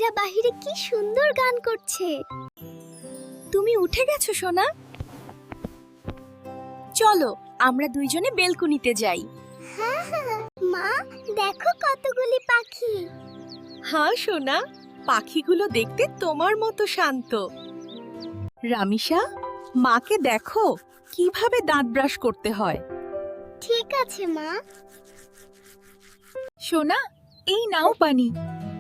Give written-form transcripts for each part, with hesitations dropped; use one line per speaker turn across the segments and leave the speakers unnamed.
পাখিরা বাহিরে কি সুন্দর গান করছে। তুমি উঠে গেছো সোনা? চলো আমরা দুইজনে বেলকুনিতে যাই। হ্যাঁ হ্যাঁ মা, দেখো কতগুলি পাখি। হ্যাঁ সোনা, পাখিগুলো দেখতে তোমার মতো শান্ত। রামিসা, মাকে দেখো কিভাবে দাঁত ব্রাশ করতে হয়। ঠিক আছে মা। সোনা, এই নাও পানি।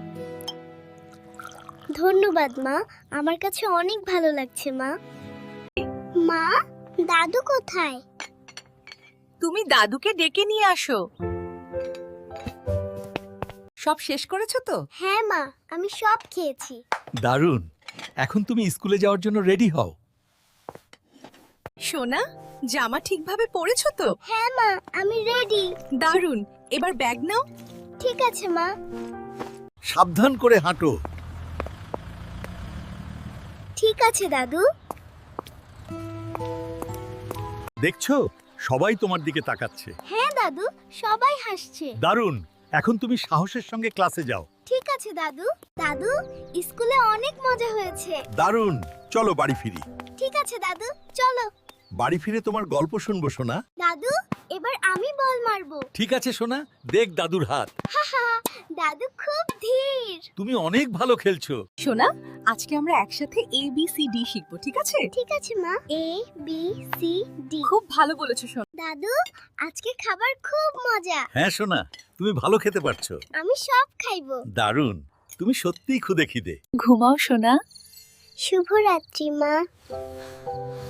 ধন্যবাদ মা, আমার কাছে অনেক ভালো লাগছে মা। মা, দাদু কোথায়? তুমি দাদুকে ডেকে নিয়ে আসো। সব শেষ করেছো তো? হ্যাঁ মা, আমি সব খেয়েছি।
দারুণ। এখন তুমি স্কুলে যাওয়ার জন্য রেডি হও।
সোনা, জামা ঠিকভাবে পরেছো তো? হ্যাঁ মা, আমি রেডি। দারুণ, এবার ব্যাগ নাও। ঠিক আছে মা।
সাবধান করে হাঁটো।
ঠিক আছে দাদু।
দেখছো, সবাই তোমার দিকে তাকাচ্ছে।
হ্যাঁ দাদু, সবাই হাসছে।
দারুণ। এখন তুমি সাহসের সঙ্গে ক্লাসে যাও।
ঠিক আছে দাদু। দাদু, স্কুলে অনেক মজা হয়েছে।
দারুণ। চলো বাড়ি ফিরি।
ঠিক আছে দাদু, চলো।
বাড়ি ফিরে তোমার গল্প শুনবো সোনা।
দাদু, এবার আমি বল মারবো।
ঠিক আছে সোনা, দেখ দাদুর হাত।
হাহা, দাদু খুব ধীর।
তুমি অনেক ভালো খেলছো।
সোনা, আজকে আমরা একসাথে এ বি সি ডি শিখবো, ঠিক আছে? ঠিক আছে মা। A B C D. খুব ভালো বলেছো সোনা। দাদু, আজকে খাবার খুব মজা।
হ্যাঁ সোনা, তুমি ভালো খেতে পারছো।
আমি সব খাইবো।
দারুণ। তুমি সত্যিই খুদে খিদে।
ঘুমাও সোনা। শুভরাত্রি মা।